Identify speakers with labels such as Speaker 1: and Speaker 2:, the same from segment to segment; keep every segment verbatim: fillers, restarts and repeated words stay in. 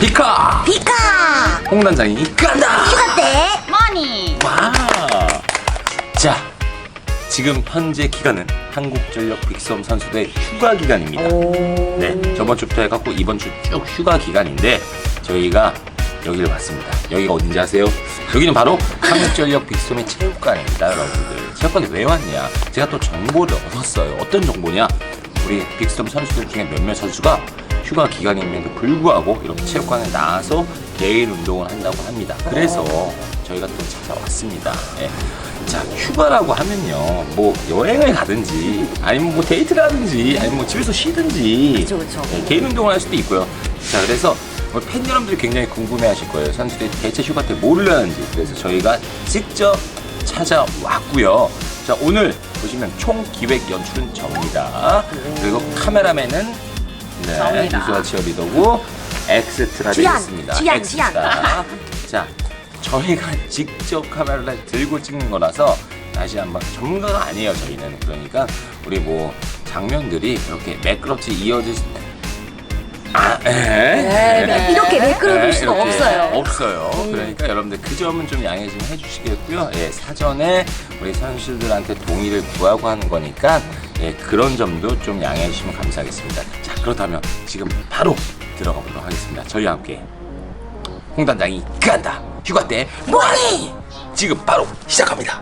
Speaker 1: 피카
Speaker 2: 피카
Speaker 1: 홍단장이 간다.
Speaker 2: 휴가 때 머니.
Speaker 1: 와. 자, 지금 현재 기간은 한국전력 빅썸 선수들의 휴가 기간입니다. 네, 저번 주부터 해갖고 이번 주 쭉 휴가 기간인데 저희가 여기를 왔습니다. 여기가 어딘지 아세요? 여기는 바로 한국전력 빅썸의 체육관입니다, 여러분들. 체육관에 왜 왔냐? 제가 또 정보를 얻었어요. 어떤 정보냐? 우리 빅썸 선수들 중에 몇몇 선수가 휴가 기간임에도 불구하고 이렇게 체육관에 나와서 개인 운동을 한다고 합니다. 그래서 저희가 또 찾아왔습니다. 예. 자, 휴가라고 하면요, 뭐 여행을 가든지 아니면 뭐 데이트를 하든지 아니면 뭐 집에서 쉬든지
Speaker 2: 그쵸, 그쵸.
Speaker 1: 예, 개인 운동을 할 수도 있고요. 자, 그래서 우리 팬 여러분들이 굉장히 궁금해하실 거예요. 선수들이 대체 휴가 때 뭐를 하는지. 그래서 저희가 직접 찾아왔고요. 자, 오늘 보시면 총 기획 연출은 저입니다. 그리고 카메라맨은 네,
Speaker 2: 저입니다.
Speaker 1: 유수아 치어리더고 엑스트라 되어
Speaker 2: 지안,
Speaker 1: 있습니다.
Speaker 2: 지안,
Speaker 1: 엑스트라. 자, 저희가 직접 카메라를 들고 찍는 거라서 다시 한번 전문가가 아니에요, 저희는. 그러니까 우리 뭐 장면들이 이렇게 매끄럽지 이어질 수 아, 에,
Speaker 2: 네, 이렇게 매끄러울 수가
Speaker 1: 이렇게
Speaker 2: 없어요.
Speaker 1: 없어요. 그러니까 여러분들 그 점은 좀 양해 좀 해주시겠고요. 예, 사전에 우리 선수들한테 동의를 구하고 하는 거니까 예, 그런 점도 좀 양해해 주시면 감사하겠습니다. 자, 그렇다면 지금 바로 들어가 보도록 하겠습니다. 저희와 함께 홍단장이 간다. 휴가 때 뭐하니? 지금 바로 시작합니다.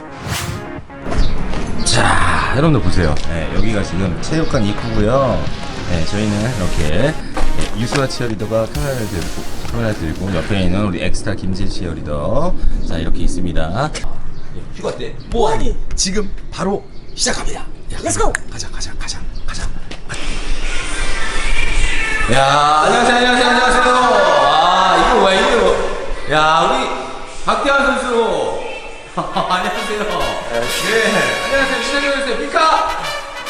Speaker 1: 자, 여러분들 보세요. 네, 여기가 지금 체육관 입구고요. 네, 저희는 이렇게 네, 유수아 치어리더가 카메라를 들고, 카메라 들고 옆에 있는 우리 엑스트라 김지 치어리더, 자, 이렇게 있습니다. 네, 휴가 때 뭐하니? 지금 바로 시작합니다. 야,
Speaker 2: Let's go.
Speaker 1: 가자, 가자, 가자, 가자. 야, 안녕하세요, 안녕하세요, 안녕하세요. 아, 이거 뭐야, 이거. 야, 우리 박태환 선수. 안녕하세요. 네, 안녕하세요. 친해져주세요. 피카.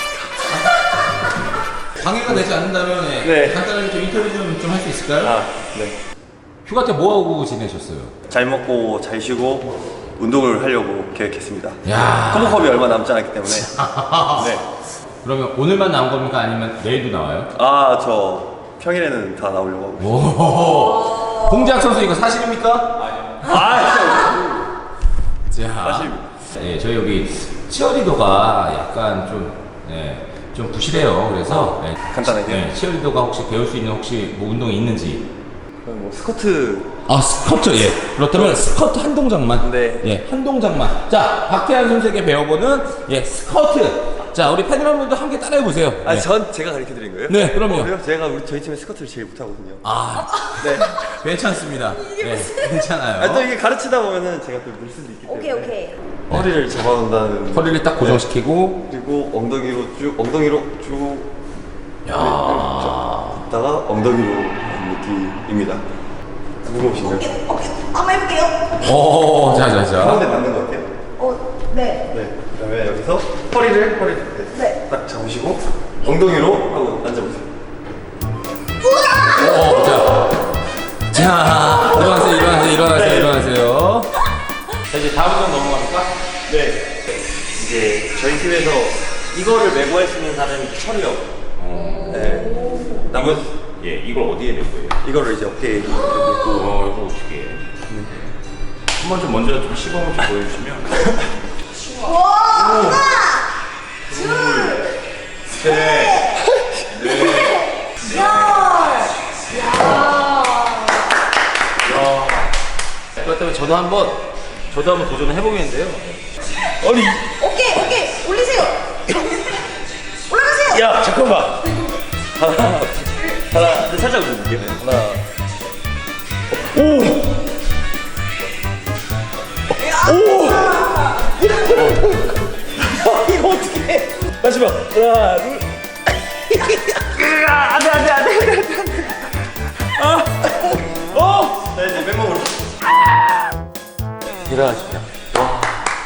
Speaker 1: 방해가 되지 않는다면
Speaker 3: 네.
Speaker 1: 간단하게 좀 인터뷰 좀 좀 할 수 있을까요?
Speaker 3: 아, 네.
Speaker 1: 휴가 때 뭐 하고 지내셨어요?
Speaker 3: 잘 먹고 잘 쉬고 운동을 하려고 계획했습니다.
Speaker 1: 야.
Speaker 3: 컴버컵이 얼마 남지 않았기 때문에. 네.
Speaker 1: 그러면 오늘만 나온 겁니까? 아니면 내일도 나와요?
Speaker 3: 아, 저 평일에는 다 나오려고 하고.
Speaker 1: 오. 홍재학 선수 이거 사실입니까?
Speaker 3: 아, 진짜.
Speaker 1: 자.
Speaker 3: 사실입니다.
Speaker 1: 네, 저희 여기 치어리더가 약간 좀 네, 좀 부실해요. 그래서 네,
Speaker 3: 간단하게?
Speaker 1: 네, 치어리더가 혹시 배울 수 있는 혹시 뭐 운동이 있는지.
Speaker 3: 그럼 뭐 스쿼트.
Speaker 1: 아, 스쿼트. 예. 그렇다면 스쿼트 한 동작만.
Speaker 3: 네.
Speaker 1: 예, 한 동작만. 자, 박태환 선수에게 배워보는 예, 스쿼트. 자, 우리 팬 여러분들도 함께 따라해 보세요.
Speaker 3: 아,
Speaker 1: 네.
Speaker 3: 전 제가 가르쳐 드린 거예요?
Speaker 1: 네, 그럼요.
Speaker 3: 어, 그래요? 제가 우리 저희 팀에 스쿼트를 제일 못 하거든요.
Speaker 1: 아,
Speaker 3: 네.
Speaker 1: 괜찮습니다. 네, 괜찮아요.
Speaker 3: 아, 또 이게 가르치다 보면은 제가 또 늘 수도 있기 때문에.
Speaker 2: 오케이 오케이.
Speaker 3: 허리를 잡아놓는다는.
Speaker 1: 허리를 딱 고정시키고.
Speaker 3: 그리고 엉덩이로 쭉, 엉덩이로 쭉.
Speaker 1: 야.
Speaker 3: 다가 엉덩이로 하는 느낌입니다. 무거우신가요?
Speaker 2: 오케이 오케이. 한번 해볼게요.
Speaker 1: 오, 자, 자, 자.
Speaker 3: 가운데 맞는 것 같아요?
Speaker 2: 어, 네.
Speaker 3: 네. 그다음에 여기서 허리를 허리 네.
Speaker 2: 네.
Speaker 3: 딱 잡으시고 엉덩이로 하고 앉아보세요.
Speaker 1: 오, 자. 자, 일어나세요, 일어나세요, 일어나세요, 일어나세요. 자, 이제 다음 번 넘어갑니까?
Speaker 3: 네. 이제 저희 팀에서 이거를 메고 할 수 있는 사람이 철이요. 네. 남은
Speaker 1: 예, 이걸 어디에 낼 거예요?
Speaker 3: 이거를 이제 어깨에 이렇게 놓고.
Speaker 1: 어, 이거 어떻게 해? 한번 좀 먼저 좀 시범을 좀 보여주시면.
Speaker 2: 와, 하나, 둘,
Speaker 3: 셋.
Speaker 1: 네.
Speaker 2: 열. 야.
Speaker 1: 그렇다면 저도 한번, 저도 한번 도전을 해보겠는데요.
Speaker 3: 아니.
Speaker 2: 오케이 오케이. 올리세요. 올라가세요.
Speaker 3: 야, 잠깐만. 하나. 하나. 근데 살짝 올릴게요. 하나. 오. 오. 아, 이거 어떻게 해? 마지막. 하나, 둘. 으아, 안 돼, 안 돼, 안 돼, 안 돼, 안 돼, 안 돼. 아. 어. 자, 이제 맨몸으로.
Speaker 1: 대단하시다. 와.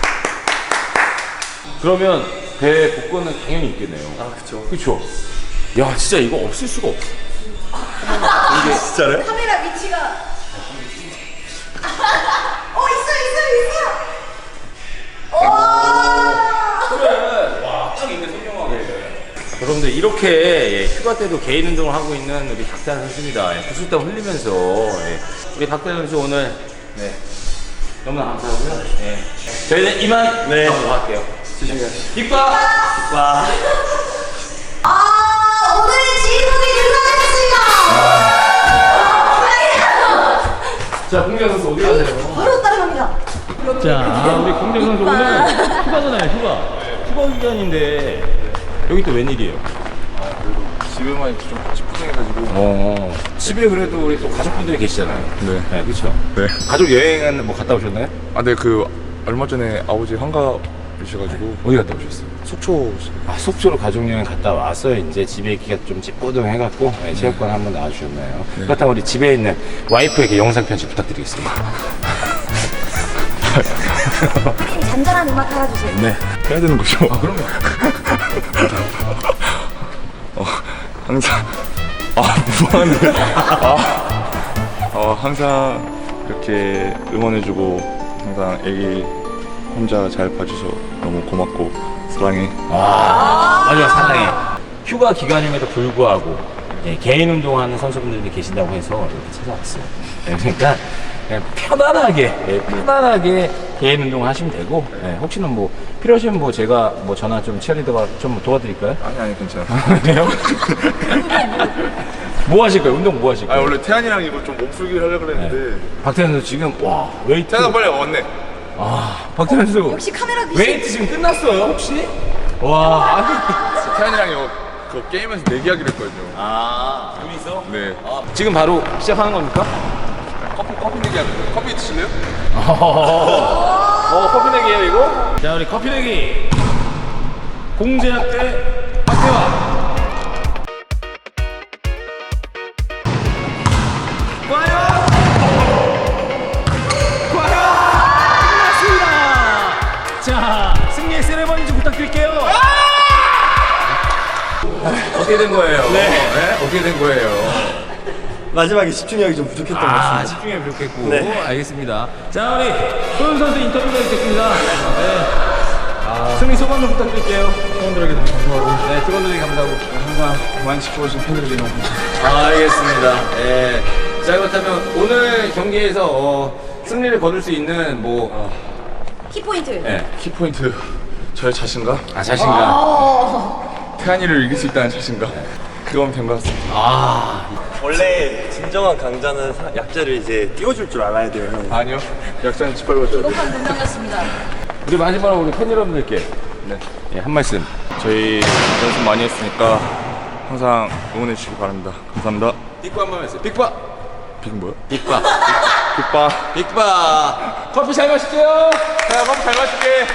Speaker 1: 그러면 배 복권은 당연히 있겠네요.
Speaker 3: 아, 그쵸.
Speaker 1: 그쵸? 야, 진짜 이거 없을 수가 없어.
Speaker 3: 이게 진짜요?
Speaker 2: 카메라 위치가. 어 있어 있어 있어. 오.
Speaker 1: 그래. 와, 딱 있네, 선명하게. 여러분들 이렇게 예, 휴가 때도 개인 운동을 하고 있는 우리 박태환 선수입니다. 예, 구슬땀 흘리면서 예, 우리 박태환 선수 오늘 네, 너무나 감사하고요. 예. 저희는 이만
Speaker 3: 네.
Speaker 1: 가보도록 할게요.
Speaker 3: 조심히 가시죠.
Speaker 1: 빅바! 빅바!
Speaker 2: 아, 오늘의 주인공이 등장했습니다.
Speaker 1: 자, 공정 선수 어디 가세요?
Speaker 2: 바로 따라갑니다.
Speaker 1: 자, 우리 공정 선수 오늘 휴가잖아요, 휴가. 휴가 기간인데 여기 또 웬일이에요?
Speaker 4: 집에만 좀 찌뿌둥해가지고.
Speaker 1: 어, 집에 그래도 우리 또 가족분들이 계시잖아요.
Speaker 4: 네.
Speaker 1: 네, 그렇죠.
Speaker 4: 네.
Speaker 1: 가족 여행은 뭐 갔다 오셨나요?
Speaker 4: 아, 네, 그 얼마 전에 아버지 환갑이셔가지고
Speaker 1: 어디 갔다 오셨어요?
Speaker 4: 속초.
Speaker 1: 아, 속초로 가족여행 갔다 와서 이제 집에 있기가 좀 찌뿌둥해갖고 네, 체육관 한번 나와주셨나요?
Speaker 4: 네.
Speaker 1: 그렇다면 우리 집에 있는 와이프에게 영상 편지 부탁드리겠습니다.
Speaker 2: 잔잔한 음악 하나 주세요.
Speaker 4: 네. 해야 되는 거죠?
Speaker 1: 아, 그럼요.
Speaker 4: 어, 항상 아, 무방한데. 아, 어, 항상 이렇게 응원해주고 항상 애기 혼자 잘 봐줘서 너무 고맙고 사랑해.
Speaker 1: 아, 마지막 사랑해. 휴가 기간임에도 불구하고 예, 개인 운동하는 선수분들이 계신다고 해서 이렇게 찾아왔어요. 예, 그러니까 그냥 편안하게, 예, 편안하게 개인 운동을 하시면 되고, 예, 혹시나 뭐 필요하시면 뭐 제가 뭐 전화 좀 치어리더가 좀 도와드릴까요?
Speaker 4: 아니 아니 괜찮아.
Speaker 1: 그래요? 뭐 하실 거예요? 운동 뭐 하실
Speaker 4: 아,
Speaker 1: 거예요?
Speaker 4: 원래 태안이랑 이거 좀 몸풀기를 하려고 그랬는데
Speaker 1: 박태환 선수 지금 와 웨이트.
Speaker 4: 태안아 빨리 왔네.
Speaker 1: 아, 박태환 선수
Speaker 2: 역시 카메라 귀신.
Speaker 1: 웨이트 지금 끝났어요 혹시? 와. 아니.
Speaker 4: 태안이랑 이거 그 게임에서 내기하기로 했거든요.
Speaker 1: 아, 둘이서?
Speaker 4: 네.
Speaker 1: 아, 지금 바로 시작하는 겁니까?
Speaker 4: 커피 커피 내기하기. 커피 드실래요?
Speaker 1: 어, 커피 내기예요 이거? 자, 우리 커피 내기 공제학 대 박태환. 과연 과연 끝났습니다. 자, 승리의 세레머니 좀 부탁드릴게요. 어떻게 된 거예요? 네. 어떻게 된 거예요?
Speaker 3: 마지막에 집중력이 좀 부족했던 것
Speaker 1: 아,
Speaker 3: 같습니다.
Speaker 1: 집중이 부족했고.
Speaker 3: 네.
Speaker 1: 알겠습니다. 자, 우리 소영 선수 인터뷰가 있겠습니다. 네. 아, 승리 소감 좀 부탁드릴게요.
Speaker 4: 팬들에게 너무 감사하고
Speaker 1: 네, 직원들에게 감사하고.
Speaker 4: 항상 많이 지켜주신 팬들에게 너무 감사합니다.
Speaker 1: 아, 알겠습니다. 네. 자, 그렇다면 오늘 경기에서 어, 승리를 거둘 수 있는 뭐,
Speaker 2: 키포인트.
Speaker 1: 네.
Speaker 4: 키포인트 저의 자신감,
Speaker 1: 아, 자신감.
Speaker 4: 태안이를 이길 수 있다는 자신감, 그건 된 것 같습니다.
Speaker 1: 아,
Speaker 3: 원래 진정한 강자는 사- 약자를 이제 띄워줄 줄 알아야 돼요, 형.
Speaker 4: 아니요, 약자는 짓밟아줘야 돼요.
Speaker 1: 우리 마지막으로 우리 팬 여러분들께
Speaker 4: 네.
Speaker 1: 예, 한 말씀.
Speaker 4: 저희 연습 많이 했으니까 항상 응원해 주시기 바랍니다. 감사합니다.
Speaker 1: 빅바 한 번 했어요. 빅바.
Speaker 4: 빅 뭐야?
Speaker 1: 빅바.
Speaker 4: 빅바.
Speaker 1: 빅바. 커피 잘 마실게요.
Speaker 4: 자, 커피 잘 마실게.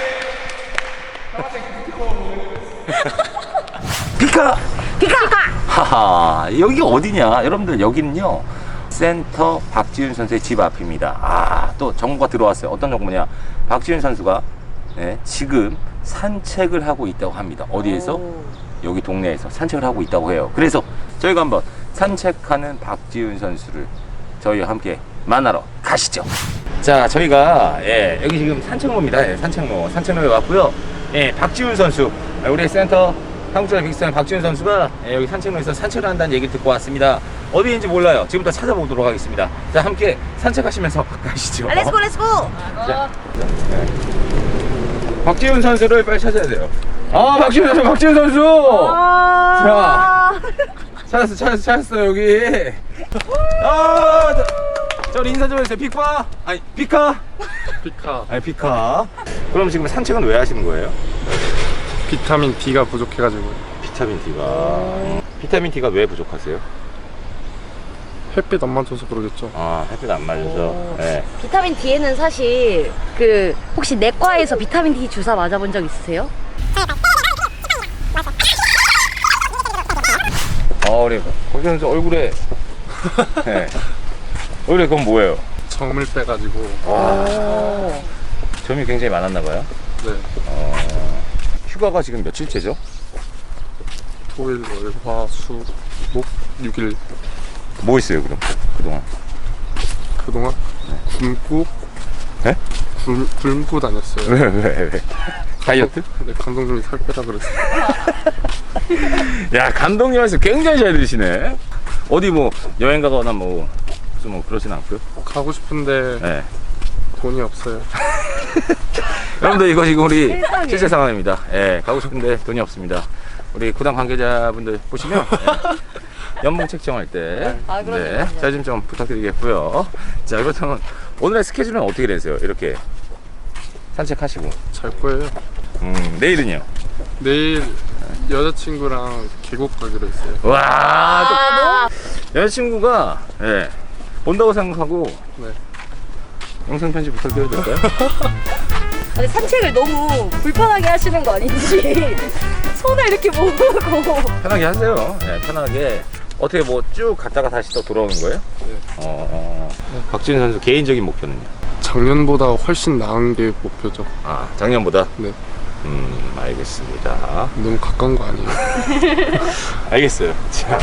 Speaker 1: 피카! 피카! 하하, 여기가 어디냐? 여러분들, 여기는요, 센터 박지훈 선수의 집 앞입니다. 아, 또 정보가 들어왔어요. 어떤 정보냐? 박지훈 선수가 네, 지금 산책을 하고 있다고 합니다. 어디에서? 여기 동네에서 산책을 하고 있다고 해요. 그래서 저희가 한번 산책하는 박지훈 선수를 저희와 함께 만나러 가시죠. 자, 저희가 예, 여기 지금 산책로입니다. 예, 산책로, 산책로에 왔고요. 예, 박지훈 선수, 우리 센터 한국전력 빅스타인 박지훈 선수가 예, 여기 산책로에서 산책을 한다는 얘기를 듣고 왔습니다. 어디인지 몰라요. 지금부터 찾아보도록 하겠습니다. 자, 함께 산책하시면서 가시죠.
Speaker 2: 아, 렛츠고 렛츠고.
Speaker 1: 자, 네. 박지훈 선수를 빨리 찾아야 돼요. 아, 박지훈 선수, 박지훈 선수.
Speaker 2: 아.
Speaker 1: 찾았어, 찾았어, 찾았어 여기. 아, 저, 저 우리 인사 좀 해주세요. 픽파? 아니, 피카?
Speaker 4: 피카.
Speaker 1: 아니, 피카. 그럼 지금 산책은 왜 하시는 거예요?
Speaker 4: 비타민 D가 부족해가지고
Speaker 1: 비타민 D가. 비타민 D가 왜 부족하세요?
Speaker 4: 햇빛 안 맞아서 그러겠죠.
Speaker 1: 아, 햇빛 안 맞아서. 네.
Speaker 5: 비타민 D에는 사실 그 혹시 내과에서 비타민 D 주사 맞아본 적 있으세요?
Speaker 1: 아, 우리 박지훈 선수 얼굴에. 네. 얼굴에 그건 뭐예요?
Speaker 4: 점을 빼가지고.
Speaker 1: 점이 굉장히 많았나 봐요.
Speaker 4: 네.
Speaker 1: 휴가가 지금 며칠째죠?
Speaker 4: 토일, 월, 화, 수, 목 육 일.
Speaker 1: 뭐 있어요, 그럼? 그동안?
Speaker 4: 그동안 굶고
Speaker 1: 네?
Speaker 4: 굶, 굶고 다녔어요.
Speaker 1: 왜, 왜, 왜? 다이어트?
Speaker 4: 네, 감독님이 살 빼라 그랬어요.
Speaker 1: 야, 감독님 말씀 굉장히 잘 들으시네. 어디 뭐 여행 가거나 뭐 무슨 뭐 그러진 않고요.
Speaker 4: 가고 싶은데
Speaker 1: 네.
Speaker 4: 돈이 없어요.
Speaker 1: 여러분들 이거 지금 우리
Speaker 5: 세상에.
Speaker 1: 실제 상황입니다. 예, 가고 싶은데 돈이 없습니다. 우리 구단 관계자분들 보시면 예, 연봉 책정할 때
Speaker 5: 아, 그럼요.
Speaker 1: 자 좀 좀 부탁드리겠고요. 자, 그렇다면 오늘의 스케줄은 어떻게 되세요? 이렇게 산책하시고
Speaker 4: 잘 거예요.
Speaker 1: 음, 내일은요?
Speaker 4: 내일 여자친구랑 계곡 가기로 했어요.
Speaker 1: 와,
Speaker 5: 아,
Speaker 1: 또 여자친구가 예, 본다고 생각하고
Speaker 4: 네.
Speaker 1: 영상 편집 부탁드려도 될까요?
Speaker 5: 아니, 산책을 너무 불편하게 하시는 거 아닌지 손을 이렇게 모으고.
Speaker 1: 편하게 하세요. 예, 편하게. 어떻게 뭐 쭉 갔다가 다시 또 돌아오는 거예요?
Speaker 4: 네.
Speaker 1: 어, 어. 박지훈 선수 개인적인 목표는요?
Speaker 4: 작년보다 훨씬 나은 게 목표죠.
Speaker 1: 아, 작년보다?
Speaker 4: 네.
Speaker 1: 음, 알겠습니다.
Speaker 4: 너무 가까운 거 아니에요?
Speaker 1: 알겠어요. 자.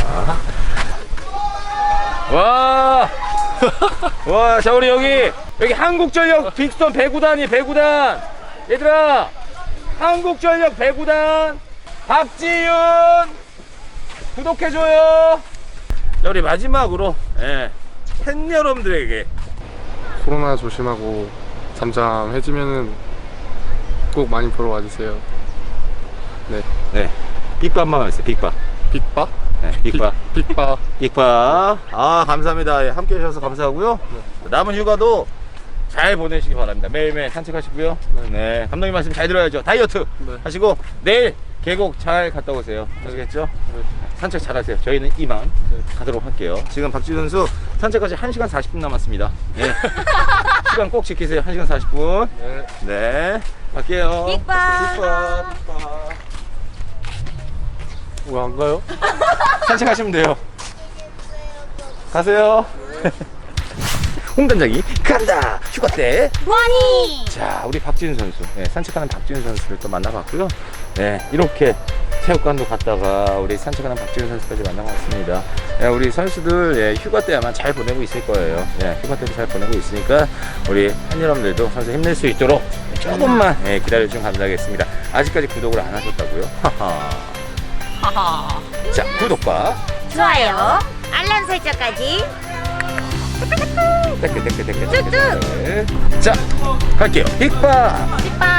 Speaker 1: 와! 와, 자, 우리 여기, 여기 한국전력 빅스톤 배구단이 배구단! 얘들아! 한국전력 배구단! 박지윤! 구독해줘요! 자, 우리 마지막으로, 예, 팬 여러분들에게
Speaker 4: 코로나 조심하고 잠잠해지면은 꼭 많이 보러 와주세요. 네.
Speaker 1: 네, 빅바 한 번만 해주세요. 빅바.
Speaker 4: 빅바?
Speaker 1: 네, 빅바.
Speaker 4: 빅, 빅바.
Speaker 1: 빅바. 아, 감사합니다. 예, 함께 해주셔서 감사하고요. 남은 휴가도 잘 보내시기 바랍니다. 매일매일 산책하시고요.
Speaker 4: 네.
Speaker 1: 네, 감독님 말씀 잘 들어야죠. 다이어트
Speaker 4: 네.
Speaker 1: 하시고 내일 계곡 잘 갔다 오세요. 아시겠죠?
Speaker 4: 네.
Speaker 1: 산책 잘 하세요. 저희는 이만 가도록 할게요. 지금 박지훈 선수 산책까지 한 시간 사십 분 남았습니다. 네. 시간 꼭 지키세요. 한 시간 사십 분.
Speaker 4: 네.
Speaker 1: 네. 갈게요.
Speaker 2: 빅바.
Speaker 1: 빅바. 빅바.
Speaker 4: 왜 안 가요?
Speaker 1: 산책하시면 돼요. 가세요. 홍단장이 간다. 휴가 때.
Speaker 2: 와니.
Speaker 1: 자, 우리 박지훈 선수. 네, 산책하는 박지훈 선수를 또 만나봤고요. 네, 이렇게 체육관도 갔다가 우리 산책하는 박지훈 선수까지 만나봤습니다. 네, 우리 선수들 예, 휴가 때 아마 잘 보내고 있을 거예요. 예, 휴가 때도 잘 보내고 있으니까 우리 팬 여러분들도 선수 힘낼 수 있도록 조금만 예, 기다려주시면 감사하겠습니다. 아직까지 구독을 안 하셨다고요? 하하. 자, 구독과
Speaker 2: 좋아요. 알람 설정까지.
Speaker 1: 댓글 댓글 댓글 댓글. 자, 갈게요. 빅바.
Speaker 2: 빅바.